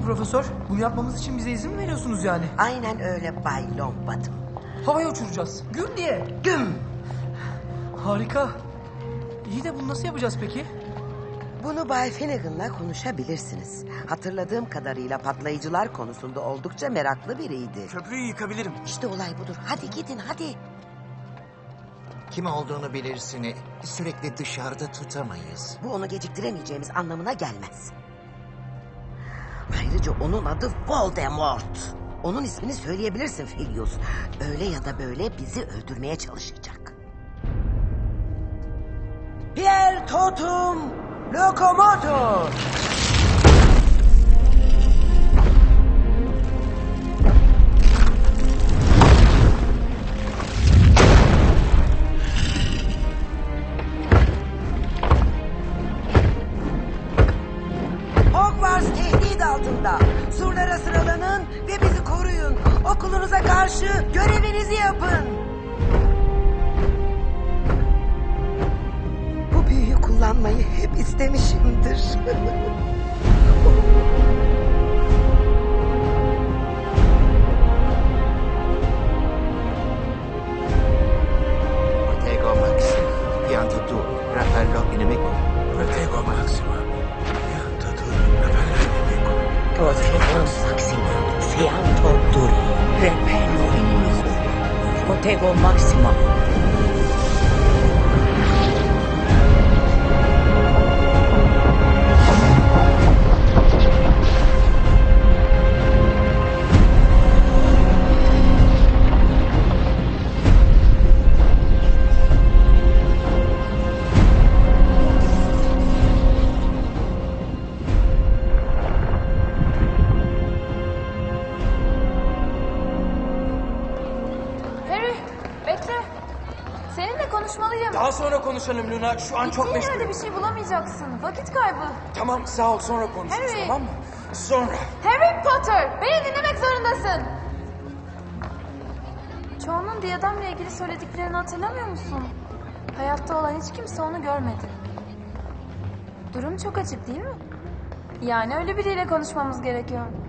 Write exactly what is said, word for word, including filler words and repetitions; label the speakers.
Speaker 1: profesör? Bunu yapmamız için bize izin mi veriyorsunuz yani?
Speaker 2: Aynen öyle Bay Longbottom.
Speaker 1: Havaya uçuracağız. Güm diye.
Speaker 2: Güm!
Speaker 1: Harika. İyi de bunu nasıl yapacağız peki?
Speaker 2: Bunu Bay Finnegan'la konuşabilirsiniz. Hatırladığım kadarıyla patlayıcılar konusunda oldukça meraklı biriydi.
Speaker 3: Köprüyü yıkabilirim.
Speaker 2: İşte olay budur. Hadi gidin hadi.
Speaker 4: Kim olduğunu bilirsini sürekli dışarıda tutamayız.
Speaker 2: Bu onu geciktiremeyeceğimiz anlamına gelmez. Ayrıca onun adı Voldemort. Onun ismini söyleyebilirsin Filius. Öyle ya da böyle bizi öldürmeye çalışacak. Pierre Totum Lokomotor. Hogwarts tehdit altında. Surlara sıralanın ve bizi koruyun. Okulunuza karşı görevinizi yapın. Bu büyüyü kullanmayı hep istemişimdir.
Speaker 4: Protego Maxima, pianta tu, rappello inimico.
Speaker 3: Protego Maxima. Pianta tu, rappello inimico.
Speaker 5: Protego Maxima, fianto duri, repello inimico. Protego Maxima.
Speaker 6: Harry, bekle. Seninle konuşmalıyım.
Speaker 3: Daha sonra konuşalım Luna. Şu an çok
Speaker 6: Gittiğin
Speaker 3: meşgulüm.
Speaker 6: yerde bir şey bulamayacaksın. Vakit kaybı.
Speaker 3: Tamam sağ ol, sonra konuşuruz,
Speaker 6: Harry.
Speaker 3: tamam mı? Sonra.
Speaker 6: Harry Potter, beni dinlemek zorundasın. Çoğunun Diyadam'la ilgili söylediklerini hatırlamıyor musun? Hayatta olan hiç kimse onu görmedi. Durum çok açık değil mi? Yani öyle biriyle konuşmamız gerekiyor.